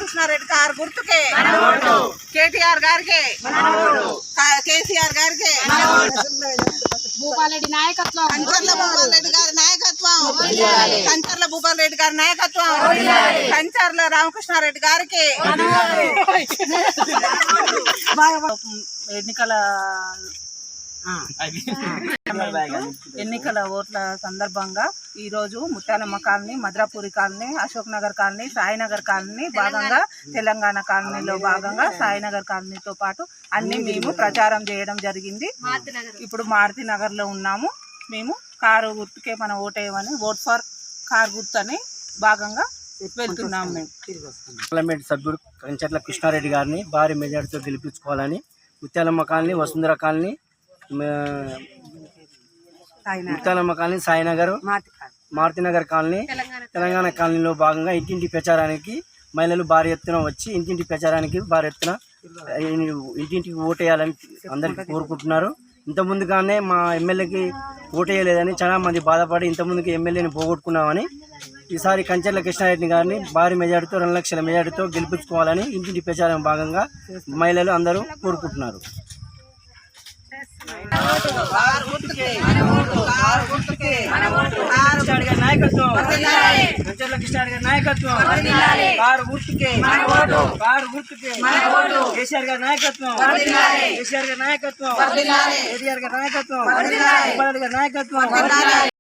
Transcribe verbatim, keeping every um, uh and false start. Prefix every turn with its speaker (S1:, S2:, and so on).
S1: రామకృష్ణారెడ్డి గారు గుర్తుకే కేటీఆర్ గారికి కేసీఆర్ గారికి
S2: భూపాలరెడ్డి నాయకత్వం
S1: కంచర్ల భూపాలరెడ్డి గారి నాయకత్వం కంచర్ల భూపాలరెడ్డి గారి నాయకత్వం కంచర్ల రామకృష్ణారెడ్డి గారికి ఎన్నికల ఎన్నికల ఓట్ల సందర్భంగా ఈరోజు Muthyalamma colony, Madrapuri colony, Ashok Nagar colony, Sainagar colony భాగంగా తెలంగాణ కాలనీలో భాగంగా సాయినగర్ కాలనీతో పాటు అన్ని మేము ప్రచారం చేయడం జరిగింది. ఇప్పుడు మారుతి నగర్లో ఉన్నాము. మేము కారు గుర్తుకే మన ఓటేయమని ఓట్ ఫర్ కార్ గుర్తు అని భాగంగా వెళ్తున్నాము. మేము
S3: పార్లమెంట్ సభ్యుడు కంచర్ల కృష్ణారెడ్డి గారిని భారీ మెజార్టీతో గెలిపించుకోవాలని Muthyalamma colony, Vasundhara colony, Muthyalamma colony, Sainagar, Marutinagar colony, Telangana కాలనీలో భాగంగా ఇంటింటి ప్రచారానికి మహిళలు భారీ ఎత్తున వచ్చి ఇంటింటి ప్రచారానికి భారీ ఎత్తున ఇంటింటికి ఓటేయాలని అందరికీ కోరుకుంటున్నారు. ఇంతకుముందుగానే మా ఎమ్మెల్యేకి ఓటేయలేదని చాలా మంది బాధపడి ఇంతకుముందుకి ఎమ్మెల్యేని పోగొట్టుకున్నామని ఈసారి కంచర్ల కృష్ణారెడ్డి గారిని భారీ మెజార్టీతో రెండు లక్షల మెజార్టీతో గెలిపించుకోవాలని ఇంటింటి ప్రచారం భాగంగా మహిళలు అందరూ కోరుకుంటున్నారు. నాయకత్వం కంచర్ల కృష్ణారెడ్డి గారి నాయకత్వం కారు గుర్తుకే కారు గుర్తుకే కేసీఆర్ గారి నాయకత్వం కేసీఆర్ గారి నాయకత్వం కేటీఆర్ గారి నాయకత్వం గారి నాయకత్వం